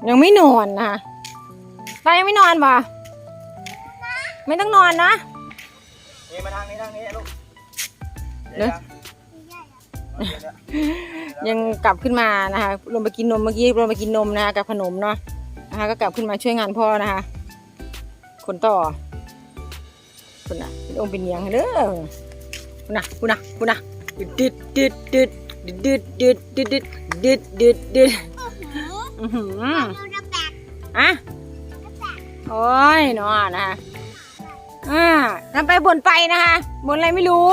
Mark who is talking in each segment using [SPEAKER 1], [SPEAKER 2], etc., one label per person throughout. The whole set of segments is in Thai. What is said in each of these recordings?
[SPEAKER 1] ยังไม่นอนนะคะตายังไม่นอนป่ะไม่ต้องนอนนะ
[SPEAKER 2] นี่มาทางนี้ลูก
[SPEAKER 1] เดี๋ยวยังกลับขึ้นมานะคะลงไปกินนมเมื่อกี้ลงไปกินนมนะคะกับขนมเนาะนะคะก็กลับขึ้นมาช่วยงานพ่อนะคะคนต่อคุณน่ะเป็นองค์เป็นเนียงเด้อคุณน่ะดึดอะโอ้ยเนาะนะคะทำไปบ่นไปนะคะบ่นอะไรไม่รู้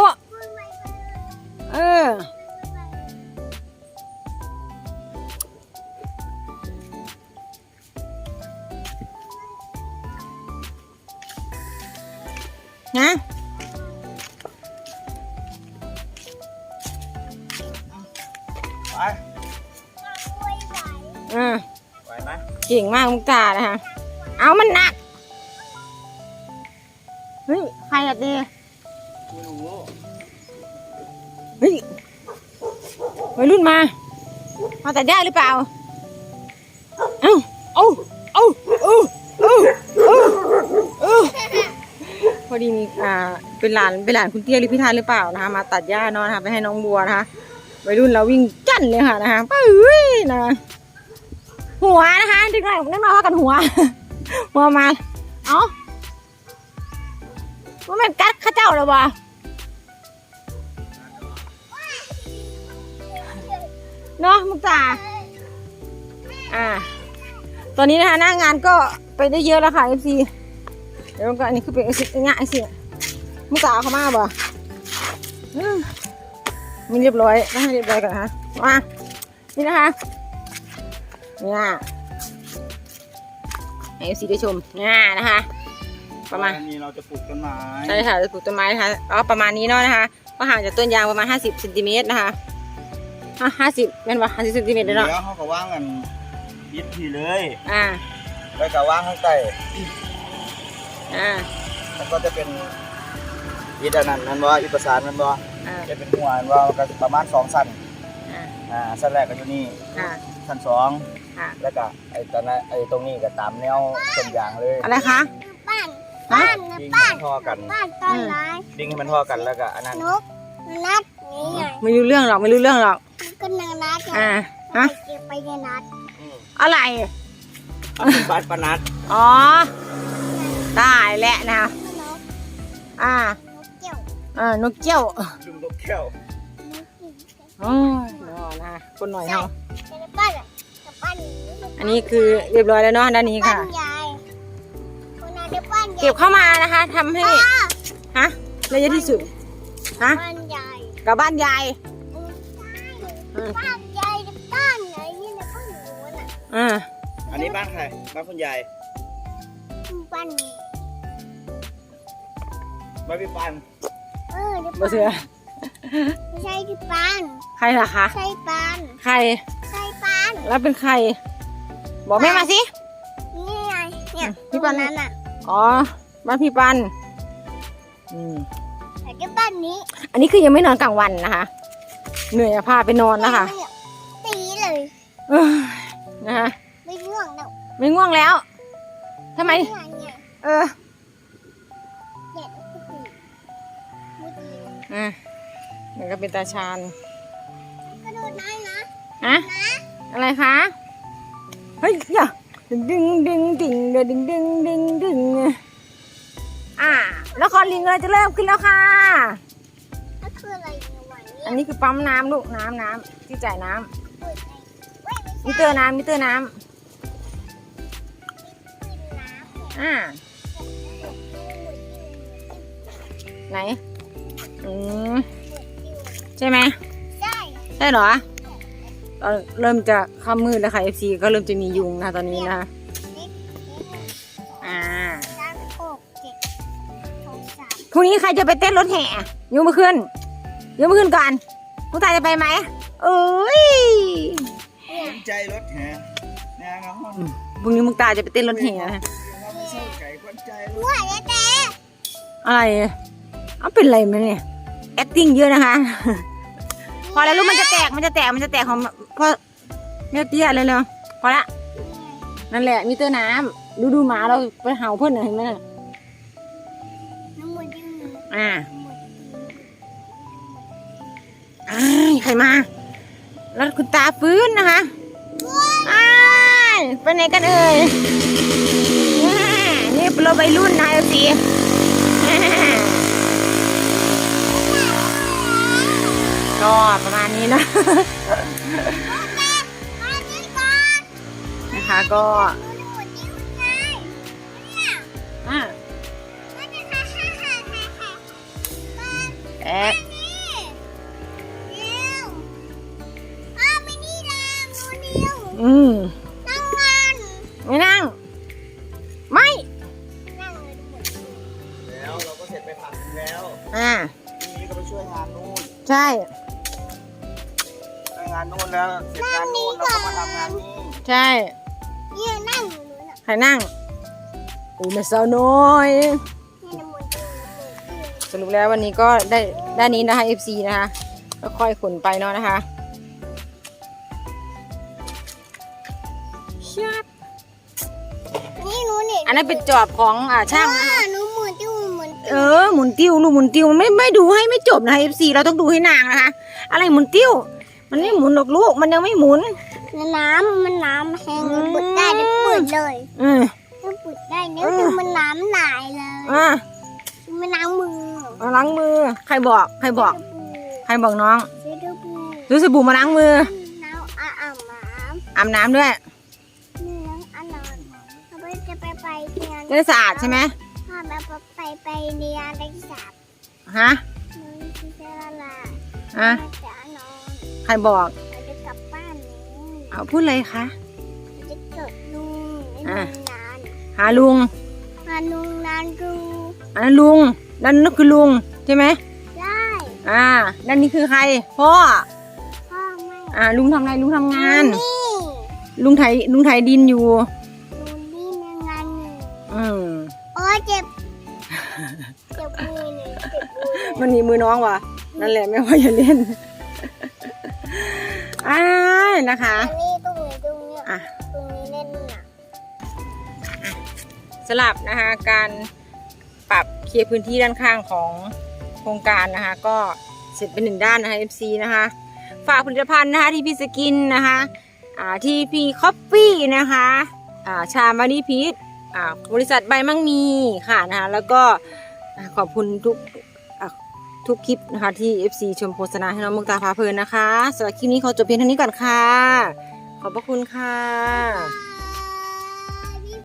[SPEAKER 1] นะ
[SPEAKER 2] ไหวไหม
[SPEAKER 1] เก่งมากมุกตานะคะเอามันหนักเฮ้ยใครอะเด
[SPEAKER 2] ไม่รู้
[SPEAKER 1] เฮ้ยวัยรุ่นมาแต่ได้หรือเปล่าเอาพอดีมีเป็นหลานคุณเตี้ยหรือพี่ธานหรือเปล่านะคะมาตัดหญ้าเนาะนะคะไปให้น้องบัวนะคะวัยรุ่นเราวิ่งจั่นเลยค่ะนะคะปุ้ยนะหัวนะคะดึงหน่อยนั่นมาว่ากันหัวมาว่ามันกัดข้าเจ้าหรอวะเนาะมุกตาตอนนี้นะคะหน้างานก็ไปได้เยอะแล้วค่ะ FC เดี๋ยวก็อันนี้คือเป็นง่ายสิมุกตาเขามาบ่มีเรียบร้อยต้องให้เรียบร้อยก่อนนะคะมานี่นะคะเนี่ยให้ FC ได้ชมเนี่ยนะคะประมาณ
[SPEAKER 2] นี้เราจะปลูกต้นไม้
[SPEAKER 1] ใช่ค่ะจะปลูกต้นไม้นะคะประมาณนี้เนาะนะคะก็ห่างจากต้นยางประมาณ50 เซนติเมตรนะคะ50เป็นว่า50 เซนติเมตรเนาะ
[SPEAKER 2] เดี๋ยวเขาก็ว่างกันยึดทีเลยแล้วก็ว่างข้างใต้แล้วก็จะเป็นยึดอันนั้นนั่นว่ายึดประสานนั่นว่าจะเป็นหัวนั่นว่าก็ประมาณ2 สั้นสั้นแรกก็อยู่นี่สั้น2แล้วก็ไอ้ตอนนั้นไอ้ตรงนี้ก็ตามแนวต้นยางเลย
[SPEAKER 1] อะไรคะ
[SPEAKER 2] ดิ้งให้มันท่อกันดิ้งให้มันท่อกันแล้วก็อันนั้น
[SPEAKER 3] นัดนี่ไง
[SPEAKER 1] ไม่รู้เรื่องหรอก
[SPEAKER 3] ก็นางนัดไปในนัด
[SPEAKER 1] อะไร
[SPEAKER 2] เป็นบ้านปนัด
[SPEAKER 1] ได้แหละนะนกเกี้ยว
[SPEAKER 2] จุ่มนกแก้ว
[SPEAKER 1] นะคนหน่อยเฮาอันนี้คือเรียบร้อยแล้วเนาะด้านนี้ค่ะเก็บเข้ามานะคะทำให้ระยะที่สุดกับบ้านยาย
[SPEAKER 3] บ้านยายบ้านไหนนี่นะบ้านหนูน่ะ
[SPEAKER 2] อันนี้บ้านใครบ้านคุณยาย
[SPEAKER 3] บ้าน
[SPEAKER 2] พี่ปัน
[SPEAKER 1] บ่เสือ
[SPEAKER 3] ไม่ใช่พี่ปัน
[SPEAKER 1] ใครล่ะคะ
[SPEAKER 3] ใช่ปัน
[SPEAKER 1] ใคร
[SPEAKER 3] ปัน
[SPEAKER 1] แล้วเป็นใครบอกแม่มาสิ
[SPEAKER 3] นี่ไงเนี่ยพี่ปันนั้นอ่ะ
[SPEAKER 1] บ้านพี่ปัน
[SPEAKER 3] แต่บ้านนี้
[SPEAKER 1] อันนี้คือยังไม่นอนกลางวันนะคะเหนื่อยพาไปนอนนะคะ
[SPEAKER 3] ตีเลย
[SPEAKER 1] นะคะ
[SPEAKER 3] ไม่ง่วงแล้ว
[SPEAKER 1] ทำไมมันก็เป็นตาชาน
[SPEAKER 3] กระโดดได้
[SPEAKER 1] นะอะไรคะเฮ้ยอย่าดึงแล้วคอลิงเลยจะเริ่มขึ้นแล้วค่ะอันนี้คือปั๊มน้ำลูกน้ำที่จ่ายน้ำมิเตอร์น้ำไหนใช่ไหมใช่เหรอตอนเริ่มจะค่ำมืดแล้วค่ะ FC ก็เริ่มจะมียุงนะตอนนี้นะพรุ่งนี้ใครจะไปเต้นรถแห่ยกมือขึ้นก่อนผู้ตายจะไปไหม
[SPEAKER 2] ใจรถแห่
[SPEAKER 1] พรุ่งนี้มุกตาจะไปเต้นรถแห่นะอะไรเป็นอะไรมั้ยเนี่ย acting เยอะนะคะ พอแล้วลูกมันจะแตกของพ่อแม่เตี้ยเลยพอละนั่นแหละมิเตอร์น้ำดูหมาเราไปเห่าเพื่อนเห็นไหมน่ะ
[SPEAKER 3] น้ำมันยืน
[SPEAKER 1] อ่าใครมา แล้วคุณตาฟื้นนะคะไปไหนกันเอ่ยนี่เป็นรถวัยรุ่นนะสิ ก็ประมาณนี้นะนะคะก็แอะไม่นั่งไม่
[SPEAKER 2] แล้วเราก็เสร็จไปผักแล้ว พรุ่งนี้ก็ไปช่วยงานนู่น
[SPEAKER 1] ใช่
[SPEAKER 2] งานนู่นแล้วเสร็จงานนู่นเราก็มาทำงานนี้
[SPEAKER 1] ใช่
[SPEAKER 3] เนี่ยนั่งอยู่นู้นอ่ะ
[SPEAKER 1] ใครนั่งอุ้ยแม่สาวน้อย
[SPEAKER 3] นี่น้ำมันยืน
[SPEAKER 1] สรุปแล้ววันนี้ก็ได้ด้านนี้นะคะ FC นะคะก็ค่อยขนไปเนาะนะคะชับ
[SPEAKER 3] นี่หนูเนี่ย
[SPEAKER 1] อันนั้นเป็นจอบของช่างนะคะ
[SPEAKER 3] หนูหมุนติ้วหมุน
[SPEAKER 1] หมุนติ้วลูกหมุนติ้วไม่ดูให้ไม่จบนะคะ FC เราต้องดูให้นางนะคะ อะไรหมุนติ้วมันไม่หมุนหรอกลูกมันยังไม่หมุน
[SPEAKER 3] น้ำมันน้ำแห้งเปิดได้จะเปิดเลย ถ้าปิดได้เนี่ยคือมันน้ำไหลเลยมันล้างมือ
[SPEAKER 1] ล้างมือใครบอกน้อง
[SPEAKER 3] เช็ดดู
[SPEAKER 1] ซื้อสบู่มาล้างมือ
[SPEAKER 3] น้ำ
[SPEAKER 1] อาบน้ำด้วย
[SPEAKER 3] นี่น้ำอันนอนเขาไปจะไปเรียน
[SPEAKER 1] จะได้สะอาดใช่ไหม
[SPEAKER 3] พ่อแม่ไปเรียนได้สาบ
[SPEAKER 1] ฮะ
[SPEAKER 3] น้องที่เซราลา
[SPEAKER 1] ฮะ
[SPEAKER 3] จะนอน
[SPEAKER 1] ใครบอก
[SPEAKER 3] เราจะกลับบ้านนี้
[SPEAKER 1] เอาพูดเลยคะ
[SPEAKER 3] จะเกิดลุงนาน
[SPEAKER 1] หาลุง
[SPEAKER 3] พาลุงนานดู
[SPEAKER 1] อันนั้นลุงนั่นคือลุงใช่ไหม
[SPEAKER 3] ได้
[SPEAKER 1] นั่นนี่คือใครพ่อ
[SPEAKER 3] พ่อไม่
[SPEAKER 1] ลุงทำอะไรลุงทำงาน
[SPEAKER 3] นี่
[SPEAKER 1] ลุงไถดินอยู่
[SPEAKER 3] ลุงนี่ในงานหนึ่ง โอ้ยเจ็บมือเลยเจ็บมือ
[SPEAKER 1] มันหนีมือน้องว่ะนั่นแหละไม่ว่าอย่าเล่นนะคะ
[SPEAKER 3] อันนี้ตรงนี้ตรงนี้
[SPEAKER 1] อ่ะ
[SPEAKER 3] ตรงนี้เล่นน่ะ
[SPEAKER 1] สลับนะคะการปรับเคลียร์พื้นที่ด้านข้างของโครงการนะคะ ก็เสร็จเป็นหนึ่งด้านนะคะ FC นะคะฝากผลิตภัณฑ์นะคะที่พี่สกินนะคะที่พี่คอฟฟี่นะคะชามารีพีทบริษัทใบมั่งมีค่ะนะคะแล้วก็ขอบคุณทุกคลิปนะคะที่ FC ชมโฆษณาให้น้องมุกตาพาเพลินนะคะสำหรับคลิปนี้ขอจบเพียงเท่านี้ก่อนค่ะขอบพระคุณค่ะ